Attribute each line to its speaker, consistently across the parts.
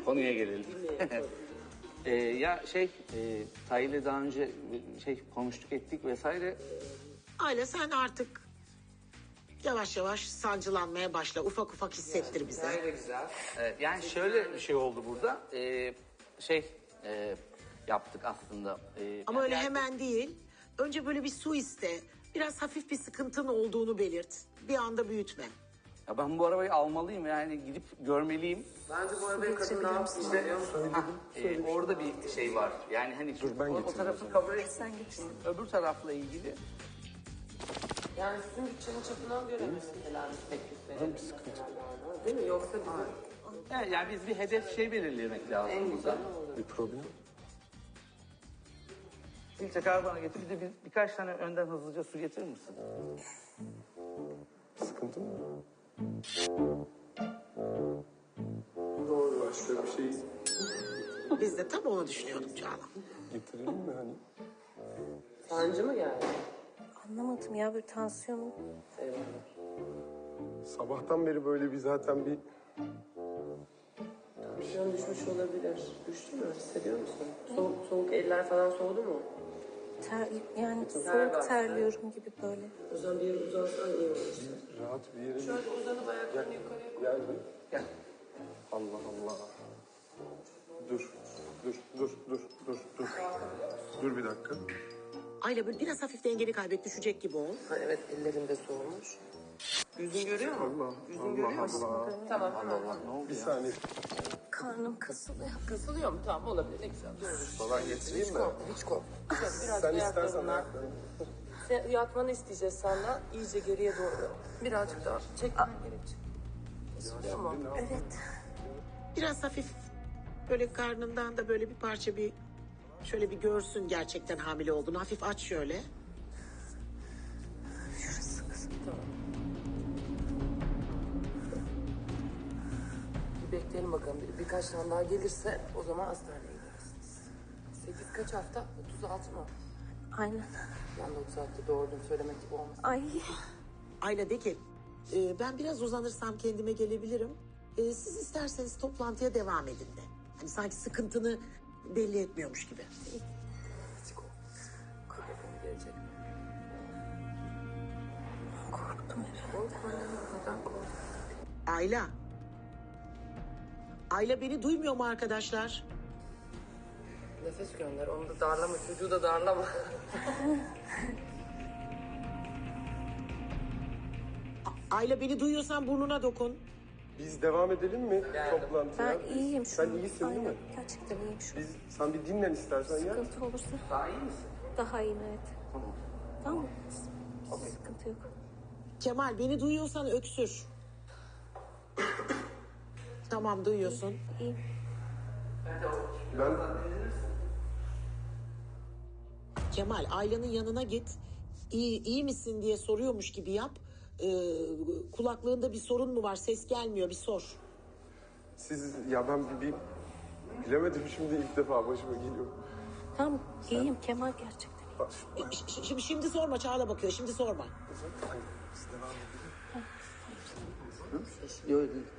Speaker 1: Konuya gelelim. Tahir'le daha önce konuştuk ettik vesaire.
Speaker 2: Ayla sen artık yavaş yavaş sancılanmaya başla. Ufak ufak hissettir bize.
Speaker 1: Gayet güzel. Yani şöyle bir şey oldu burada. Yaptık aslında.
Speaker 2: Ama öyle hemen değil. Önce böyle bir su iste. Biraz hafif bir sıkıntın olduğunu belirt. Bir anda büyütme.
Speaker 1: Ya ben bu arabayı almalıyım, yani gidip görmeliyim.
Speaker 3: Bence bu arabayı kadın ne yapsın biliyor musun?
Speaker 1: Orada bir şey var. Yani hani o tarafı kabul etsen geçsin. Öbür tarafla ilgili.
Speaker 3: Yani sizin bütçenin çapına göre mesela teklifleri. Bir sıkıntı. Değil mi? Yoksa bizim...
Speaker 1: Yani biz bir hedef belirlemek lazım.
Speaker 3: En güzel
Speaker 4: Bir problem.
Speaker 1: Filtre karbona getir. Bir de birkaç tane önden hızlıca su getirir misin?
Speaker 4: Sıkıntı mı?
Speaker 3: Doğru.
Speaker 4: Başka bir şey
Speaker 2: Biz de tam onu düşünüyorduk Çağla.
Speaker 4: getirelim mi hani?
Speaker 3: Sancı mı geldi?
Speaker 5: Anlamadım ya, bir tansiyonum.
Speaker 4: Sabahtan beri böyle bir zaten bir
Speaker 3: Tansiyon düşmüş olabilir. Düştü mü? Hissediyor musun? Soğuk eller falan soğudu mu?
Speaker 5: Yani
Speaker 3: Ter
Speaker 5: soğuk
Speaker 3: bastı.
Speaker 5: terliyorum gibi böyle.
Speaker 3: O zaman bir yere uzansan iyi olur.
Speaker 4: rahat bir yere...
Speaker 3: Şöyle uzanıp ayaklarını yukarıya koy.
Speaker 4: Gel bir.
Speaker 1: Gel.
Speaker 4: Allah Allah. Dur. Dur bir dakika.
Speaker 2: Ayla böyle biraz hafif dengeni kaybet, düşecek gibi ol.
Speaker 3: Ha, evet ellerinde soğumuş. Yüzün görüyor mu?
Speaker 4: Allah.
Speaker 3: Yüzün görüyor musun? Tamam hemen.
Speaker 4: Bir saniye.
Speaker 5: Karnım kasılıyor.
Speaker 3: Kasılıyor mu? Tamam olabilir. Ne güzel. Doğru.
Speaker 4: Falan getireyim mi?
Speaker 3: Hiç korkma. Biraz
Speaker 4: Sen istersen
Speaker 3: ayaklarından.
Speaker 4: ayaklarını.
Speaker 3: Sen yatmanı isteyeceğiz senden. İyice geriye doğru. Birazcık daha çekmen gerekecek. Tamam.
Speaker 5: Evet.
Speaker 2: Biraz hafif böyle karnından da böyle bir parça şöyle bir görsün gerçekten hamile olduğunu. Hafif aç şöyle.
Speaker 3: Tamam. Bir bekleyelim bakalım. Birkaç tane daha gelirse o zaman hastaneye gidersiniz. 8 kaç hafta? 36 mı?
Speaker 5: Aynen.
Speaker 3: Ben de 36'da doğurdum söylemek gibi olmasın.
Speaker 5: Ay.
Speaker 2: Ayla de ki ben biraz uzanırsam kendime gelebilirim. Siz isterseniz toplantıya devam edin de. Hani sanki sıkıntını belli etmiyormuş gibi.
Speaker 3: Hiç korkma. Bakalım gelecek.
Speaker 5: Korktum evet.
Speaker 3: Korkma. Neden korkma?
Speaker 2: Ayla. Ayla beni duymuyor mu arkadaşlar?
Speaker 3: Nefes gönder. Onu da darlama. Çocuğu da darlama.
Speaker 2: Ayla beni duyuyorsan burnuna dokun.
Speaker 4: Biz devam edelim mi toplantıya?
Speaker 5: Ben iyiyim şu
Speaker 4: Sen
Speaker 5: an.
Speaker 4: iyisin değil mi?
Speaker 5: Aynen, gerçekten iyiyim şu an.
Speaker 4: Sen bir dinlen istersen ya.
Speaker 5: Sıkıntı olursa
Speaker 1: Daha iyi misin?
Speaker 5: daha iyiyim evet. Tamam mı? Sıkıntı yok.
Speaker 2: Kemal beni duyuyorsan öksür. Tamam duyuyorsun.
Speaker 5: İyiyim.
Speaker 4: Ben
Speaker 2: Kemal Ayla'nın yanına git. İyi misin diye soruyormuş gibi yap. Kulaklığında bir sorun mu var? Ses gelmiyor, bir sor.
Speaker 4: ben bir bilemedim şimdi ilk defa başıma geliyor.
Speaker 5: Tamam iyiyim Kemal gerçekten.
Speaker 4: Bak,
Speaker 2: Şimdi sorma, Çağla bakıyor. Şimdi sorma.
Speaker 4: biz devam edelim.
Speaker 1: Yok değil.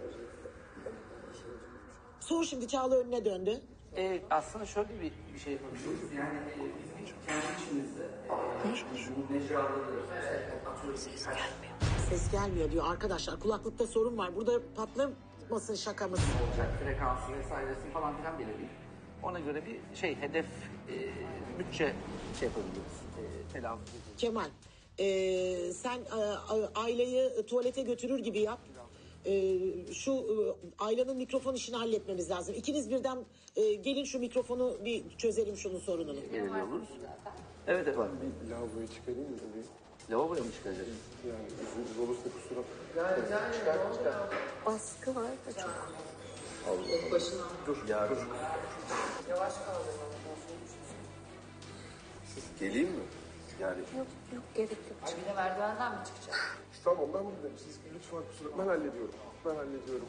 Speaker 2: Sor şimdi, Çağla önüne döndü.
Speaker 1: Aslında şöyle bir şey yapabiliriz. Yani biz kendi içimizde mecraları
Speaker 2: Ses gelmiyor diyor arkadaşlar. Kulaklıkta sorun var. Burada patlamasın şakamız.
Speaker 1: olacak, frekansı vesairesi falan filan belirleyip ona göre bir hedef, bütçe yapabiliriz. Telaffuz edeceğiz.
Speaker 2: Kemal, sen Ayla'yı tuvalete götürür gibi yap. Ayla'nın mikrofon işini halletmemiz lazım. İkiniz birden gelin şu mikrofonu bir çözelim şunun sorununu.
Speaker 1: Belirliyor oluruz. Evet.
Speaker 4: Bir lavaboyu çıkarayım mı?
Speaker 1: Lavaboya mı çıkacağız?
Speaker 4: Yani izniniz olursa kusura bakmayın.
Speaker 1: Çıkar.
Speaker 5: Baskı var da çok.
Speaker 3: Başına.
Speaker 4: Dur.
Speaker 3: Yavaş kaldırma.
Speaker 4: Siz geleyim mi? Yani
Speaker 5: Yok gerek yok.
Speaker 3: Bir de merdivenden mi çıkacak?
Speaker 4: tamam ben buradayım. Siz lütfen kusura ben hallediyorum. Hallediyorum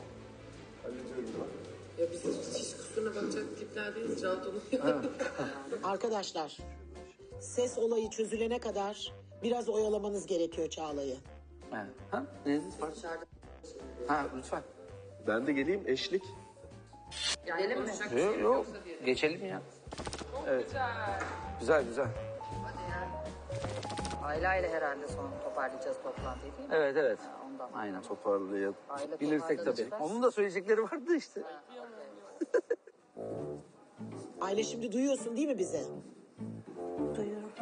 Speaker 4: ben.
Speaker 3: Ya biz hiç kusuruna bakacak tipler değiliz. Rahat olun.
Speaker 2: Arkadaşlar, ses olayı çözülene kadar biraz oyalamanız gerekiyor Çağla'yı.
Speaker 1: Evet. Ha? Neyiniz var? Ha, lütfen.
Speaker 4: Ben de geleyim eşlik.
Speaker 3: Gidelim mi?
Speaker 1: Yok, geçelim ya. Evet. Güzel güzel.
Speaker 5: Aileyle herhalde sonra toparlayacağız toplantıyı değil mi?
Speaker 1: Evet evet.
Speaker 5: Ondan.
Speaker 1: Aynen toparlayabilirsek
Speaker 5: Aile
Speaker 1: tabii.
Speaker 5: toparlanacak.
Speaker 1: Onun da söyleyecekleri vardı işte.
Speaker 2: Aile şimdi duyuyorsun değil mi bizi?
Speaker 6: Duyuyorum.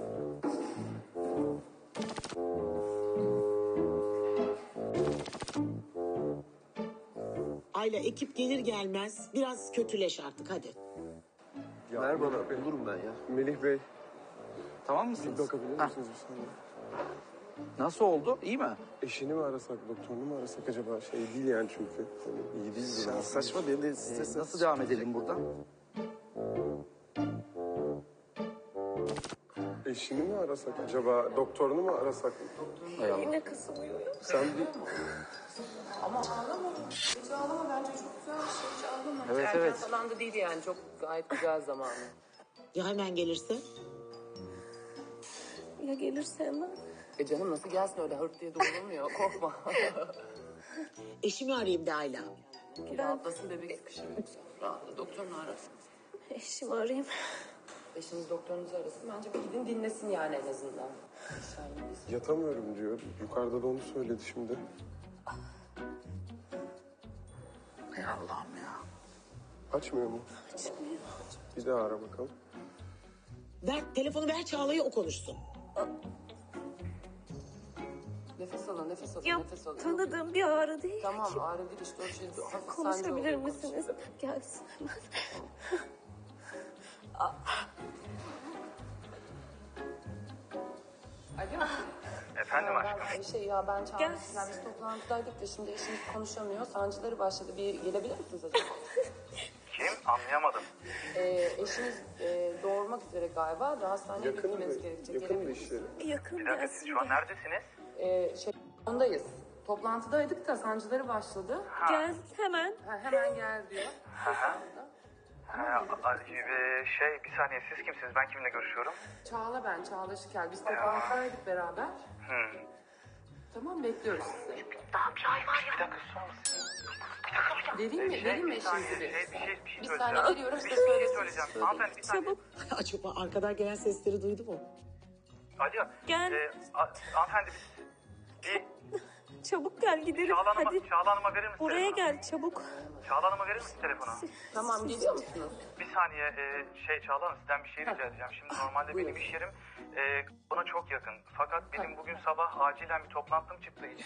Speaker 2: Ayla ekip gelir gelmez biraz kötüleş artık hadi.
Speaker 4: Ya,
Speaker 7: Ver bana, bulurum ben ya.
Speaker 4: Melih Bey,
Speaker 1: Tamam
Speaker 4: bir
Speaker 1: mısınız?
Speaker 4: bakabilir
Speaker 1: Hah,
Speaker 4: misiniz bir saniye?
Speaker 1: nasıl oldu? İyi mi?
Speaker 4: Eşini mi arasak, doktorunu mu arasak acaba? Şey değil yani çünkü. Hani iyi değil
Speaker 7: Ya saçma benim de stres.
Speaker 1: Nasıl devam edelim buradan?
Speaker 4: Eşini mi arasak acaba? Doktorunu mu arasak?
Speaker 1: Hay Allah.
Speaker 6: Yine kasılıyor.
Speaker 4: Sen bir...
Speaker 3: Ama ağlama. Hiç ağlama. Bence çok güzel bir şey. Hiç ağlama.
Speaker 1: Evet,
Speaker 3: Erken
Speaker 1: evet.
Speaker 3: falan da değil yani. Çok gayet güzel zamanı.
Speaker 2: Ya hemen gelirse?
Speaker 6: Ya gelirse hemen.
Speaker 3: Canım nasıl gelsin öyle hırt diye doğrulmuyor. Korkma.
Speaker 2: Eşimi arayayım de Ayla.
Speaker 3: Rahatlasın bebek sıkışır yoksa. Rahatla. Doktorunu arasın.
Speaker 6: Eşimi arayayım.
Speaker 3: Eşiniz doktorunuzu arasın. Bence bir gidin dinlesin yani en azından.
Speaker 4: Yatamıyorum diyor. Yukarıda da onu söyledi şimdi.
Speaker 1: Hay Allah'ım ya.
Speaker 4: Açmıyor mu?
Speaker 6: Açmıyor.
Speaker 4: Bir daha ara bakalım.
Speaker 2: Ver telefonu ver Çağla'ya o konuşsun.
Speaker 3: Nefes alın, nefes alın,
Speaker 6: Ya
Speaker 3: nefes alın.
Speaker 6: tanıdığım bir ağrı değil.
Speaker 3: Tamam ağrı değil işte o şey. Hafif sancı
Speaker 6: Konuşabilir
Speaker 3: oluyor,
Speaker 6: misiniz?
Speaker 3: konuşun.
Speaker 6: Gelsin hemen.
Speaker 3: Alo.
Speaker 8: Efendim aşkım.
Speaker 3: Ben
Speaker 6: Gel.
Speaker 3: çağırmışlar. Biz toplantıdaydık da şimdi eşimiz konuşamıyor. Sancıları başladı. Bir gelebilir misiniz acaba?
Speaker 8: Kim? Anlayamadım.
Speaker 3: Eşimiz doğurmak üzere galiba. Da hastaneye
Speaker 4: Yakın mı?
Speaker 3: gitmemiz gerekecek.
Speaker 4: Yakın mı
Speaker 3: Gelebilir misiniz?
Speaker 4: işleri?
Speaker 6: Yakın
Speaker 8: Bir dakika siz
Speaker 6: gelsin
Speaker 8: şu an
Speaker 6: de.
Speaker 8: neredesiniz?
Speaker 3: Ondayız. Toplantıdaydık da sancıları başladı.
Speaker 6: Gel hemen.
Speaker 3: Hemen gel diyor.
Speaker 8: Bir saniye siz kimsiniz? Ben kiminle görüşüyorum?
Speaker 3: Çağla ben, Çağla Şikel. Biz toplantıdaydık beraber. Tamam bekliyoruz sizi.
Speaker 8: Bir dakika susar mısın?
Speaker 3: Vereyim mi
Speaker 8: Bir saniye,
Speaker 3: eşinizi?
Speaker 8: bir şey
Speaker 3: Bir
Speaker 8: söyleyeceğim.
Speaker 3: saniye geliyorum
Speaker 8: Bir
Speaker 3: size
Speaker 8: şey
Speaker 3: söylesin.
Speaker 8: söyleyeceğim. Hanımefendi bir saniye.
Speaker 6: Çabuk.
Speaker 2: Acaba arkadan gelen sesleri duydu mu?
Speaker 8: Alo.
Speaker 6: Gel.
Speaker 8: Hanımefendi bir
Speaker 6: Çabuk gel gidelim. Hadi.
Speaker 8: Çağla Hanım'a verir misin
Speaker 6: Buraya
Speaker 8: telefonu?
Speaker 6: gel çabuk.
Speaker 8: Çağla Hanım'a verir misin telefonu?
Speaker 3: Tamam geliyor musunuz?
Speaker 8: Bir saniye Çağla Hanım sizden bir şey rica edeceğim. Şimdi normalde benim iş yerim bana çok yakın. Fakat benim bugün sabah acilen bir toplantım çıktığı için.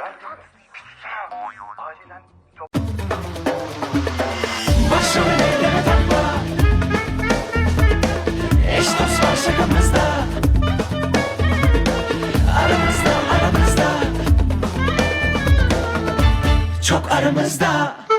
Speaker 8: Acilen
Speaker 9: Başrol eyleme takla. Eş dost var şakamızda. Aramızda. Çok aramızda.